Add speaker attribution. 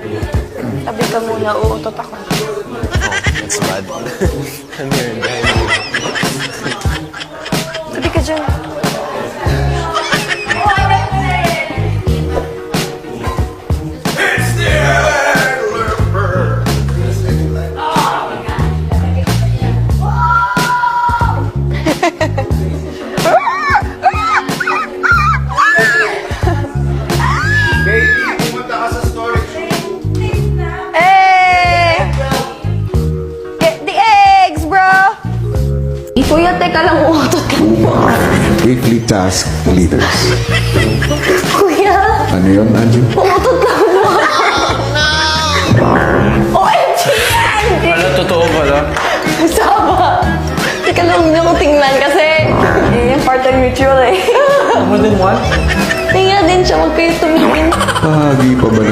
Speaker 1: Tabi ka muna, uutot ako.
Speaker 2: That's bad. I'm here behind you.
Speaker 1: Tabi ka dyan. Kuya, teka lang, uutot ka mo.
Speaker 3: Weekly task leaders.
Speaker 1: Kuya,
Speaker 3: Ano yun, Anju?
Speaker 1: uutot ka mo. OMG!
Speaker 2: Ano, totoo pala?
Speaker 1: Saba. Teka lang, hindi ako tingnan kasi yung part ng mutual eh.
Speaker 2: More than one?
Speaker 1: Tingnan din siya, huwag kayo tumingin.
Speaker 3: Bahagi pa ba